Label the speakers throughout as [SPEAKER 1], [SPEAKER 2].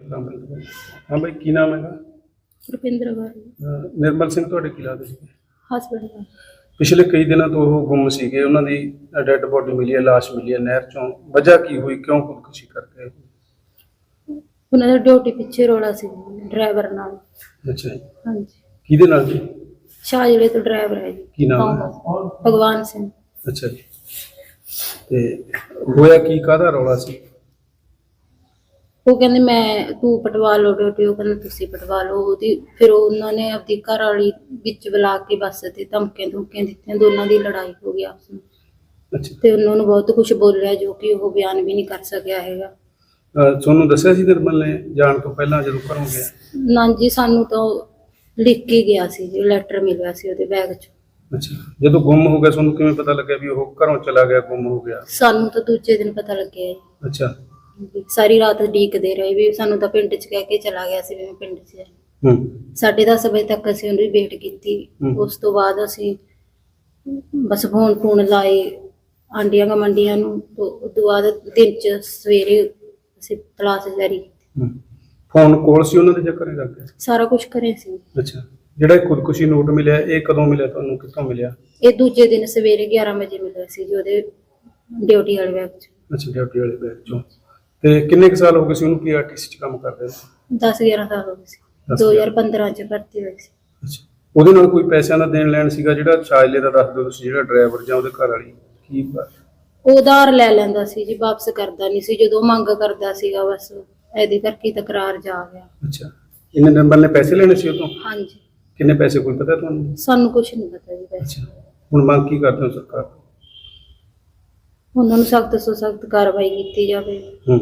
[SPEAKER 1] हाँ भाई की नाम है?
[SPEAKER 2] ਰੁਪਿੰਦਰ ਕੌਰ
[SPEAKER 1] निर्मल सिंह ਤੁਹਾਡੇ ਕੀ ਲੱਗਦੇ ਸੀ?
[SPEAKER 2] ਹਸਬੈਂਡ ਦਾ।
[SPEAKER 1] ਪਿਛਲੇ ਕਈ ਦਿਨਾਂ ਤੋਂ ਉਹ ਗੁੰਮ ਸੀਗੇ, ਉਹਨਾਂ ਦੀ ਡੈੱਡ ਬੋਡੀ ਮਿਲੀ ਹੈ, ਲਾਸ਼ ਮਿਲੀ ਹੈ ਨਹਿਰ ਚੋਂ। ਵਜ੍ਹਾ ਕੀ ਹੋਈ, ਕਿਉਂ ਖੁਦਕੁਸ਼ੀ ਕਰ ਗਏ?
[SPEAKER 2] ਉਹਨਾਂ ਦਾ ਡਿਊਟੀ ਪਿੱਛੇ ਰੋਲਾ ਸੀ ਡਰਾਈਵਰ ਨਾਲ।
[SPEAKER 1] ਅੱਛਾ ਜੀ,
[SPEAKER 2] ਹਾਂਜੀ,
[SPEAKER 1] ਕਿਹਦੇ ਨਾਲ ਜੀ?
[SPEAKER 2] ਸ਼ਾਹਜਲੇ ਤੋਂ ਡਰਾਈਵਰ ਹੈ ਜੀ।
[SPEAKER 1] ਕੀ ਨਾਮ ਹੈ?
[SPEAKER 2] ਭਗਵਾਨ ਸਿੰਘ।
[SPEAKER 1] ਅੱਛਾ ਜੀ, ਤੇ ਹੋਇਆ ਕੀ, ਕਾਹਦਾ ਰੌਲਾ ਸੀ?
[SPEAKER 2] ਉਹ ਕਹਿੰਦੇ ਮੈਂ ਤੂੰ ਪਟਵਾ ਲਓ ਡਿਊਟੀ, ਉਹ ਕਹਿੰਦੇ ਤੁਸੀਂ ਪਟਵਾ ਲਓ ਉਹਦੀ। ਫਿਰ ਉਹਨਾਂ ਨੇ ਆਪਣੀ ਘਰ ਵਾਲੀ ਵਿੱਚ ਬੁਲਾ ਕੇ ਬੱਸ ਤੇ ਧਮਕੀਆਂ ਦਿੱਤੀਆਂ, ਦੋਨਾਂ ਦੀ ਲੜਾਈ ਹੋ ਗਈ ਆਪਸ ਵਿੱਚ।
[SPEAKER 1] ਅੱਛਾ,
[SPEAKER 2] ਤੇ ਉਹਨਾਂ ਨੂੰ ਬਹੁਤ ਕੁਝ ਬੋਲਿਆ ਜੋ ਕਿ ਉਹ ਬਿਆਨ ਵੀ ਨਹੀਂ ਕਰ ਸਕਿਆ ਹੈਗਾ।
[SPEAKER 1] ਤੁਹਾਨੂੰ ਦੱਸਿਆ ਸੀ ਨਿਰਮਲ ਨੇ ਜਾਣ ਤੋਂ ਪਹਿਲਾਂ ਜਦੋਂ ਘਰੋਂ ਗਿਆ?
[SPEAKER 2] ਨਾ ਜੀ, ਸਾਨੂੰ ਤਾਂ ਲਿਖ ਕੇ ਗਿਆ ਸੀ ਜੀ, ਲੈਟਰ ਮਿਲਿਆ ਸੀ ਉਹਦੇ ਬੈਗ 'ਚ।
[SPEAKER 1] ਅੱਛਾ, ਜਦੋਂ ਗੁੰਮ ਹੋ ਗਿਆ ਤੁਹਾਨੂੰ ਕਿਵੇਂ ਪਤਾ ਲੱਗਿਆ ਵੀ ਉਹ ਘਰੋਂ ਚਲਾ ਗਿਆ, ਗੁੰਮ ਹੋ ਗਿਆ?
[SPEAKER 2] ਸਾਨੂੰ ਤਾਂ ਦੂਜੇ ਦਿਨ ਪਤਾ ਲੱਗਿਆ ਜੀ।
[SPEAKER 1] ਅੱਛਾ।
[SPEAKER 2] ਸਾਰੀ ਰਾਤ ਉਡੀਕਦੇ ਰਹੇ ਵੀ ਸਾਨੂੰ ਤਾਂ ਪਿੰਡ 'ਚ ਕਹਿ ਕੇ ਚਲਾ ਗਿਆ ਸੀ ਵੀ ਮੈਂ ਪਿੰਡ 'ਚ ਜਾਣਾ। 10:30 ਵਜੇ ਤੱਕ ਅਸੀਂ ਉਹਦੀ ਵੇਟ ਕੀਤੀ। ਉਸ ਤੋਂ ਬਾਅਦ ਅਸੀਂ ਬਸ ਫੋਨ ਲਾਏ ਆਂਡੀਆਂ ਗਵਾਂਡੀਆਂ ਨੂੰ। ਉਸ ਤੋਂ ਬਾਅਦ ਦਿਨ 'ਚ ਸਵੇਰੇ ਅਸੀਂ ਤਲਾਸ਼ ਜਾਰੀ ਕੀਤੀ।
[SPEAKER 1] ਫੋਨ ਕੋਲ ਸੀ ਉਹਨਾਂ ਦੇ ਜਾਂ ਘਰੇ ਰੱਖ ਗਿਆ?
[SPEAKER 2] ਸਾਰਾ ਕੁਝ ਕਰੇ ਸੀ।
[SPEAKER 1] ਅੱਛਾ, ਜਿਹੜਾ ਇਹ ਖੁਦਕੁਸ਼ੀ ਨੋਟ ਮਿਲਿਆ ਇਹ ਕਦੋਂ ਮਿਲਿਆ ਤੁਹਾਨੂੰ, ਕਿੱਥੋਂ ਮਿਲਿਆ?
[SPEAKER 2] ਇਹ ਦੂਜੇ ਦਿਨ ਸਵੇਰੇ 11 ਵਜੇ ਮਿਲਿਆ ਸੀ ਜੀ ਉਹਦੇ ਡਿਊਟੀ ਵਾਲੇ ਬੈਗ 'ਚ।
[SPEAKER 1] ਅੱਛਾ, ਡਿਊਟੀ ਵਾਲੇ ਬੈਗ 'ਚੋਂ। ਤੇ ਕਿੰਨੇ ਕੁ ਸਾਲ ਹੋ ਗਏ ਸੀ ਉਹਨੂੰ ਪੀਆਰਟੀਸੀ 'ਚ ਕੰਮ ਕਰਦੇ ਨੂੰ?
[SPEAKER 2] 10-11 ਸਾਲ ਹੋ ਗਏ ਸੀ। 2015 'ਚ ਭਰਤੀ ਹੋਈ ਸੀ।
[SPEAKER 1] ਅੱਛਾ, ਉਹਦੇ ਨਾਲ ਕੋਈ ਪੈਸਿਆਂ ਦਾ ਦੇਣ ਲੈਣ ਸੀਗਾ? ਜਿਹੜਾ ਸ਼ਾਇਲੇ ਦਾ ਦੱਸ ਦਿਓ ਤੁਸੀਂ, ਜਿਹੜਾ ਡਰਾਈਵਰ ਜਾਂ ਉਹਦੇ ਘਰ ਵਾਲੀ, ਕੀ
[SPEAKER 2] ਉਹ ਉਧਾਰ ਲੈ ਲੈਂਦਾ ਸੀ ਜੀ, ਵਾਪਸ ਕਰਦਾ ਨਹੀਂ ਸੀ। ਜਦੋਂ ਮੰਗ ਕਰਦਾ ਸੀਗਾ ਬਸ ਇਹਦੇ ਕਰਕੇ ਤਕਰਾਰ ਜਾ ਗਿਆ।
[SPEAKER 1] ਅੱਛਾ, ਇਹਨੇ ਨੰਬਰ ਨੇ ਪੈਸੇ ਲੈਣੇ ਸੀ ਉਹ ਤੋਂ?
[SPEAKER 2] ਹਾਂਜੀ।
[SPEAKER 1] ਕਿੰਨੇ ਪੈਸੇ, ਕੋਈ ਪਤਾ ਤੁਹਾਨੂੰ?
[SPEAKER 2] ਸਾਨੂੰ ਕੁਝ ਨਹੀਂ ਪਤਾ ਜੀ ਪੈਸੇ।
[SPEAKER 1] ਅੱਛਾ, ਹੁਣ ਮੰਗ ਕੀ ਕਰਦੇ ਹੋ ਸਰਕਾਰ ਤੋਂ?
[SPEAKER 2] ਉਹਨਾਂ ਨੂੰ ਸਖਤ ਤੋਂ ਸਖਤ ਕਾਰਵਾਈ ਕੀਤੀ ਜਾਵੇ।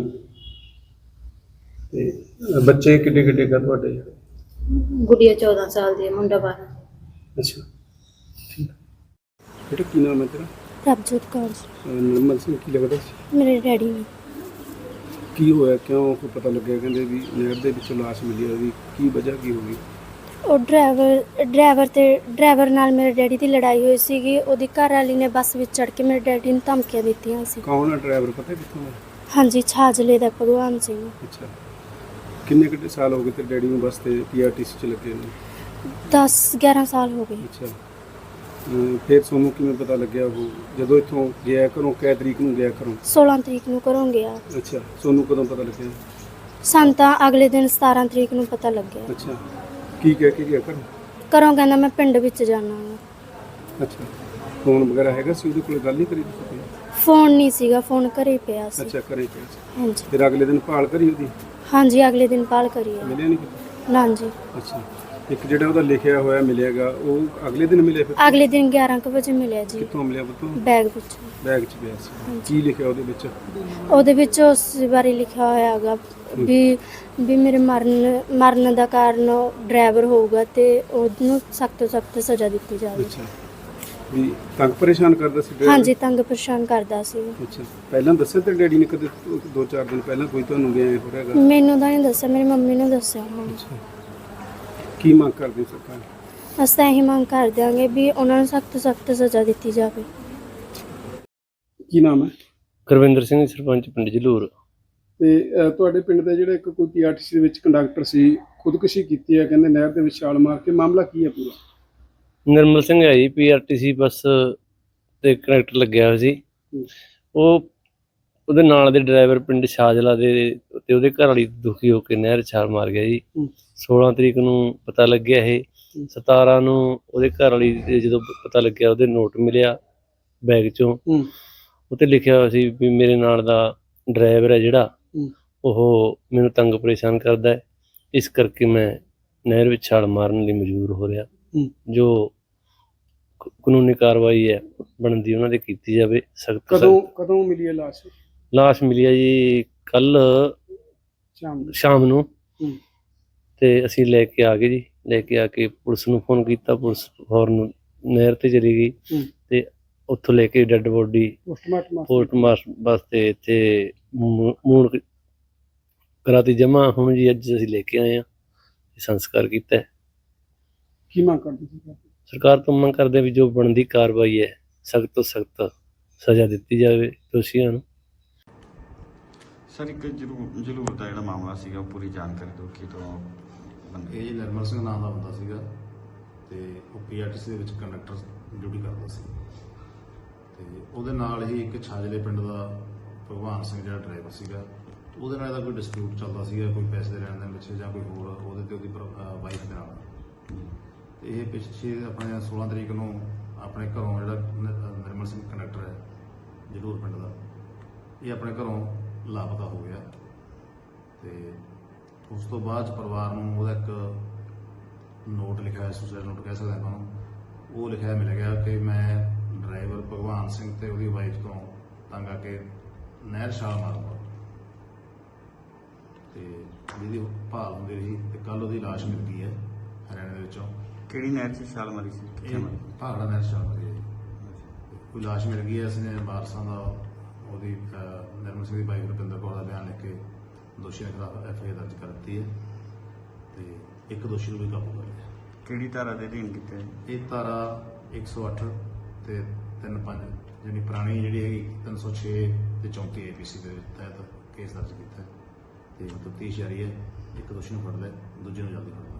[SPEAKER 1] ਤੇ ਬੱਚੇ ਕਿੱਡੇ ਕਿੱਡੇ ਕਾ ਤੁਹਾਡੇ ਜਿਹੜੇ?
[SPEAKER 2] ਗੁੜੀਆ 14 ਸਾਲ ਦੀ ਹੈ, ਮੁੰਡਾ 12।
[SPEAKER 1] ਅੱਛਾ, ਠੀਕ। ਬੇਟਾ ਕੀ ਨਾਮ ਹੈ ਤੇਰਾ?
[SPEAKER 3] ਪ੍ਰਭਜੋਤ ਕੌਰ।
[SPEAKER 1] ਨਿਰਮਲ ਸਿੰਘ ਕੀ ਲੱਗਦਾ ਸੀ?
[SPEAKER 3] ਮੇਰੇ ਡੈਡੀ ਨੇ।
[SPEAKER 1] ਕੀ ਹੋਇਆ, ਕਿਉਂ ਕੋਈ ਪਤਾ ਲੱਗਿਆ ਕਹਿੰਦੇ ਵੀ ਨਹਿਰ ਦੇ ਵਿੱਚੋਂ ਲਾਸ਼ ਮਿਲੀ ਹੈ, ਵੀ ਕੀ ਵਜ੍ਹਾ ਕੀ ਹੋ ਗਈ?
[SPEAKER 3] ਉਹ ਡਰਾਈਵਰ ਨਾਲ ਮੇਰੇ ਡੈਡੀ ਦੀ ਲੜਾਈ ਹੋਈ ਸੀਗੀ। ਉਹਦੀ ਘਰ ਵਾਲੀ ਨੇ ਬੱਸ ਵਿੱਚ ਚੜ੍ਹ ਕੇ ਮੇਰੇ ਡੈਡੀ ਨੂੰ ਧਮਕੀਆਂ ਦਿੱਤੀਆਂ ਸੀ।
[SPEAKER 1] ਕੌਣ ਹੈ ਡਰਾਈਵਰ, ਪਤਾ ਕਿੱਥੋਂ ਦਾ?
[SPEAKER 3] ਹਾਂਜੀ, ਛਾਜਲੇ ਦਾ ਭਗਵਾਨ ਸਿੰਘ।
[SPEAKER 1] ਅੱਛਾ, ਕਿੰਨੇ ਕਿੰਨੇ ਸਾਲ ਹੋ ਗਏ ਤੇ ਡੈਡੀ ਨੂੰ ਬੱਸ ਤੇ ਪੀਆਰਟੀਸੀ 'ਚ ਲੱਗੇ ਨੇ?
[SPEAKER 3] 10-11 ਸਾਲ ਹੋ ਗਏ।
[SPEAKER 1] ਅੱਛਾ, ਫਿਰ ਤੁਹਾਨੂੰ ਕਿਵੇਂ ਪਤਾ ਲੱਗਿਆ ਉਹ ਜਦੋਂ ਇੱਥੋਂ ਗਿਆ ਘਰੋਂ? ਕਿਹ ਤਰੀਕ ਨੂੰ ਗਿਆ ਘਰੋਂ?
[SPEAKER 3] 16 ਤਰੀਕ ਨੂੰ ਘਰੋਂ ਗਿਆ।
[SPEAKER 1] ਅੱਛਾ, ਤੁਹਾਨੂੰ ਕਦੋਂ ਪਤਾ ਲੱਗਿਆ?
[SPEAKER 3] ਸਾਨੂੰ ਤਾਂ ਅਗਲੇ ਦਿਨ 17 ਤਰੀਕ ਨੂੰ ਪਤਾ ਲੱਗਿਆ।
[SPEAKER 1] ਅੱਛਾ, ਕੀ ਕਹਿ ਕੇ ਗਿਆ ਘਰੋਂ?
[SPEAKER 3] ਘਰੋਂ ਕਹਿੰਦਾ ਮੈਂ ਪਿੰਡ ਵਿੱਚ ਜਾਣਾ ਵਾ।
[SPEAKER 1] ਅੱਛਾ, ਫੋਨ ਵਗੈਰਾ ਹੈਗਾ ਸੀ ਉਹਦੇ ਕੋਲ, ਗੱਲ ਨਹੀਂ ਕਰੀ ਤੁਸੀਂ?
[SPEAKER 3] ਫੋਨ ਨਹੀਂ ਸੀਗਾ, ਫੋਨ ਘਰੇ ਪਿਆ ਸੀ।
[SPEAKER 1] ਅੱਛਾ, ਘਰੇ ਪਿਆ ਸੀ।
[SPEAKER 3] ਹਾਂਜੀ।
[SPEAKER 1] ਫਿਰ ਅਗਲੇ ਦਿਨ ਭਾਲ ਕਰੀ ਉਹਦੀ?
[SPEAKER 3] ਹਾਂਜੀ, ਅਗਲੇ ਦਿਨ ਕਾਲ ਕਰੀ ਆ।
[SPEAKER 1] ਮਿਲਿਆ ਨਹੀਂ ਕਿਤੇ?
[SPEAKER 3] ਨਾ ਜੀ।
[SPEAKER 1] ਅੱਛਾ, ਇੱਕ ਜਿਹੜਾ ਉਹਦਾ ਲਿਖਿਆ ਹੋਇਆ ਮਿਲੇਗਾ ਉਹ ਅਗਲੇ ਦਿਨ ਮਿਲਿਆ? ਫਿਰ
[SPEAKER 3] ਅਗਲੇ ਦਿਨ 11 ਵਜੇ ਮਿਲਿਆ ਜੀ।
[SPEAKER 1] ਕਿੱਥੋਂ ਮਿਲਿਆ ਪੁੱਤ?
[SPEAKER 3] ਬੈਗ ਵਿੱਚ।
[SPEAKER 1] ਬੈਗ 'ਚ ਪਿਆ ਸੀ। ਕੀ ਲਿਖਿਆ ਉਹਦੇ ਵਿੱਚ?
[SPEAKER 3] ਉਹਦੇ ਵਿੱਚ ਉਸ ਬਾਰੇ ਲਿਖਿਆ ਹੋਇਆ ਹੈਗਾ ਵੀ ਮੇਰੇ ਮਰਨ ਦਾ ਕਾਰਨ ਡਰਾਈਵਰ ਹੋਊਗਾ ਤੇ ਉਹਨੂੰ ਸਖਤ ਤੋਂ ਸਖਤ ਸਜ਼ਾ ਦਿੱਤੀ ਜਾਵੇ।
[SPEAKER 1] ਅੱਛਾ, ਵੀ ਤੰਗ ਪਰੇਸ਼ਾਨ ਕਰਦਾ ਸੀ ਡਰਾਈਵਰ?
[SPEAKER 3] ਹਾਂਜੀ, ਤੰਗ ਪਰੇਸ਼ਾਨ ਕਰਦਾ ਸੀ।
[SPEAKER 1] ਅੱਛਾ, ਪਹਿਲਾਂ ਦੱਸਿਆ ਤੇ ਡੈਡੀ ਨੇ ਕਦੇ 2-4 ਦਿਨ ਪਹਿਲਾਂ ਕੋਈ ਤੁਹਾਨੂੰ ਗਿਆ ਹੋ ਰਿਹਾਗਾ?
[SPEAKER 3] ਮੈਨੂੰ ਤਾਂ ਨਹੀਂ ਦੱਸਿਆ, ਮੇਰੀ ਮੰਮੀ ਨੇ ਦੱਸਿਆ। ਹਾਂ।
[SPEAKER 1] ਅੱਛਾ, ਕੀ ਮੰਗ ਕਰਦੇ ਹੋ ਸਰਕਾਰ?
[SPEAKER 3] ਅਸੀਂ ਤਾਂ ਇਹੀ ਮੰਗ ਕਰ ਦਿਆਂਗੇ ਵੀ ਉਹਨਾਂ ਨੂੰ ਸਖਤ ਤੋਂ ਸਖਤ ਸਜ਼ਾ ਦਿੱਤੀ ਜਾਵੇ।
[SPEAKER 1] ਕੀ ਨਾਮ ਹੈ?
[SPEAKER 4] ਗੁਰਵਿੰਦਰ ਸਿੰਘ, ਸਰਪੰਚ ਪਿੰਡ ਜਲੂਰ।
[SPEAKER 1] ਤੇ ਤੁਹਾਡੇ ਪਿੰਡ ਦਾ ਜਿਹੜਾ ਇੱਕ ਕੋਈ ਪੀਆਰਟੀਸੀ ਦੇ ਵਿੱਚ ਕੰਡਕਟਰ ਸੀ, ਖੁਦਕੁਸ਼ੀ ਕੀਤੀ ਹੈ ਕਹਿੰਦੇ ਨਹਿਰ ਦੇ ਵਿੱਚ ਛਾਲ ਮਾਰ ਕੇ, ਮਾਮਲਾ ਕੀ ਹੈ ਪੂਰਾ?
[SPEAKER 4] ਨਿਰਮਲ ਸਿੰਘ ਹੈ ਜੀ, ਪੀਆਰਟੀਸੀ ਬੱਸ ਤੇ ਕੰਡਕਟਰ ਲੱਗਿਆ ਹੋਇਆ ਸੀ। ਉਹਦੇ ਨਾਲ ਦੇ ਡਰਾਈਵਰ ਪਿੰਡ ਸ਼ਾਜਲਾ ਦੇ ਤੇ ਉਹਦੇ ਘਰ ਵਾਲੀ ਦੁਖੀ ਹੋ ਕੇ ਨਹਿਰ ਛਾਲ ਮਾਰ ਗਿਆ ਜੀ। 16 ਤਰੀਕ ਨੂੰ ਪਤਾ ਲੱਗਿਆ ਇਹ। 17 ਨੂੰ ਉਹਦੇ ਘਰ ਵਾਲੀ ਦੇ ਜਦੋਂ ਪਤਾ ਲੱਗਿਆ ਉਹਦੇ ਨੋਟ ਮਿਲਿਆ ਬੈਗ 'ਚੋਂ। ਉੱਤੇ ਲਿਖਿਆ ਹੋਇਆ ਸੀ ਵੀ ਮੇਰੇ ਨਾਲ ਦਾ ਡਰਾਈਵਰ ਹੈ ਜਿਹੜਾ ਉਹ ਮੈਨੂੰ ਤੰਗ ਪਰੇਸ਼ਾਨ ਕਰਦਾ ਹੈ, ਇਸ ਕਰਕੇ ਮੈਂ ਨਹਿਰ ਵਿੱਚ ਛਾਲ ਮਾਰਨ ਲਈ ਮਜਬੂਰ ਹੋ ਰਿਹਾ। ਜੋ ਕਾਨੂੰਨੀ ਕਾਰਵਾਈ ਹੈ ਬਣਦੀ ਉਹਨਾਂ ਦੇ ਕੀਤੀ ਜਾਵੇ। ਸਖਤ।
[SPEAKER 1] ਕਦੋਂ ਮਿਲੀ ਹੈ ਲਾਸ਼?
[SPEAKER 4] ਲਾਸ਼ ਮਿਲੀ ਹੈ ਜੀ ਕੱਲ ਸ਼ਾਮ ਨੂੰ। ਤੇ ਅਸੀਂ ਲੈ ਕੇ ਆ ਗਏ ਜੀ। ਲੈ ਕੇ ਆ ਕੇ ਪੁਲਿਸ ਨੂੰ ਫੋਨ ਕੀਤਾ, ਪੁਲਿਸ ਫੌਰਨ ਨਹਿਰ ਤੇ ਚਲੀ ਗਈ ਤੇ ਉੱਥੋਂ ਲੈ ਕੇ ਡੈੱਡ ਬੋਡੀ ਪੋਸਟਮਾਰਟਮ ਵਾਸਤੇ ਇੱਥੇ ਮੂਣ ਕਰਾਤੀ ਜਮ੍ਹਾਂ। ਹੁਣ ਜੀ ਅੱਜ ਅਸੀਂ ਲੈ ਕੇ ਆਏ ਹਾਂ, ਸੰਸਕਾਰ ਕੀਤਾ।
[SPEAKER 1] ਕੀ ਮੰਗ ਕਰਦੇ ਸੀ?
[SPEAKER 4] ਸਰਕਾਰ ਤੋਂ ਮੰਗ ਕਰਦੇ ਵੀ ਜੋ ਬਣਦੀ ਕਾਰਵਾਈ ਹੈ ਸਖਤ ਤੋਂ ਸਖਤ ਸਜ਼ਾ ਦਿੱਤੀ ਜਾਵੇ ਦੋਸ਼ੀਆਂ ਨੂੰ।
[SPEAKER 5] ਸਰ ਇੱਕ ਜਲੂਰ ਦਾ ਜਿਹੜਾ ਮਾਮਲਾ ਸੀਗਾ ਉਹ ਪੂਰੀ ਜਾਣਕਾਰੀ ਦਿਓ ਕਿ ਤੋਂ ਬੰਦੇ
[SPEAKER 6] ਇਹ ਨਿਰਮਲ ਸਿੰਘ ਨਾਮ ਦਾ ਬੰਦਾ ਸੀਗਾ ਤੇ ਉਹ ਪੀਆਰਟੀਸੀ ਦੇ ਵਿੱਚ ਕੰਡਕਟਰ ਡਿਊਟੀ ਕਰਦਾ ਸੀ ਤੇ ਉਹਦੇ ਨਾਲ ਹੀ ਇੱਕ ਛਾਜਲੇ ਪਿੰਡ ਦਾ ਭਗਵਾਨ ਸਿੰਘ ਜਿਹੜਾ ਡਰਾਈਵਰ ਸੀਗਾ ਉਹਦੇ ਨਾਲ ਇਹਦਾ ਕੋਈ ਡਿਸਪਿਊਟ ਚੱਲਦਾ ਸੀਗਾ, ਕੋਈ ਪੈਸੇ ਦੇ ਲੈਣ ਦੇਣ ਪਿੱਛੇ ਜਾਂ ਕੋਈ ਹੋਰ ਉਹਦੇ ਤੇ ਉਹਦੀ ਵਾਈਫ ਦੇ ਨਾਲ। ਤੇ ਇਹ ਪਿੱਛੇ ਆਪਣੇ 16 ਤਰੀਕ ਨੂੰ ਆਪਣੇ ਘਰੋਂ ਜਿਹੜਾ ਨਿਰਮਲ ਸਿੰਘ ਕੰਡਕਟਰ ਹੈ ਜਲੂਰ ਪਿੰਡ ਦਾ, ਇਹ ਆਪਣੇ ਘਰੋਂ ਲਾਪਤਾ ਹੋ ਗਿਆ ਤੇ ਉਸ ਤੋਂ ਬਾਅਦ 'ਚ ਪਰਿਵਾਰ ਨੂੰ ਉਹਦਾ ਇੱਕ ਨੋਟ ਲਿਖਿਆ ਹੋਇਆ, ਸੁਸਾਈਡ ਨੋਟ ਕਹਿ ਸਕਦੇ ਆਪਾਂ ਉਹਨੂੰ, ਉਹ ਲਿਖਿਆ ਮਿਲ ਗਿਆ ਕਿ ਮੈਂ ਡਰਾਈਵਰ ਭਗਵਾਨ ਸਿੰਘ ਤੇ ਉਹਦੀ ਵਾਈਫ ਤੋਂ ਤੰਗ ਆ ਕੇ ਨਹਿਰ ਛਾਲ ਮਾਰੂੰਗਾ ਤੇ ਜਿਹਦੀ ਭਾਲ ਹੁੰਦੀ ਰਹੀ ਤੇ ਕੱਲ ਉਹਦੀ ਲਾਸ਼ ਮਿਲ ਗਈ ਹੈ ਹਰਿਆਣੇ ਦੇ ਵਿੱਚੋਂ।
[SPEAKER 5] ਕਿਹੜੀ ਨਹਿਰ 'ਚ ਛਾਲ ਮਾਰੀ ਸੀ? ਕਿੱਥੇ ਮਾਰੀ?
[SPEAKER 6] ਭਾਗੜਾ ਨਹਿਰ ਛਾਲ ਮਾਰੀ ਹੈ ਜੀ। ਕੋਈ ਲਾਸ਼ ਮਿਲ ਗਈ ਹੈ, ਇਸਨੇ ਵਾਰਸਾਂ ਦਾ ਉਹਦੀ ਨਿਰਮਲ ਸਿੰਘ ਦੀ ਵਾਈਫ ਰੁਪਿੰਦਰ ਕੌਰ ਦਾ ਬਿਆਨ ਲਿਖ ਕੇ ਦੋਸ਼ੀਆਂ ਖਿਲਾਫ FIR ਦਰਜ ਕਰ ਦਿੱਤੀ ਹੈ ਤੇ ਇੱਕ ਦੋਸ਼ੀ ਨੂੰ ਵੀ ਕਾਬੂ ਕਰ ਲਿਆ।
[SPEAKER 5] ਕਿਹੜੀ ਧਾਰਾ ਦੇ ਅਧੀਨ ਕੀਤਾ ਹੈ?
[SPEAKER 6] ਇਹ ਧਾਰਾ 108 ਤੇ 35 ਜਿਹੜੀ ਪੁਰਾਣੀ ਜਿਹੜੀ ਹੈਗੀ 306 ਤੇ 34 APC ਦੇ ਤਹਿਤ ਕੇਸ ਦਰਜ ਕੀਤਾ ਹੈ ਤੇ ਤਫਤੀਸ਼ ਜਾਰੀ ਹੈ। ਇੱਕ ਦੋਸ਼ੀ ਨੂੰ ਫੜ ਲਿਆ, ਦੂਜੇ ਨੂੰ ਜਲਦੀ ਫੜ ਲਿਆ।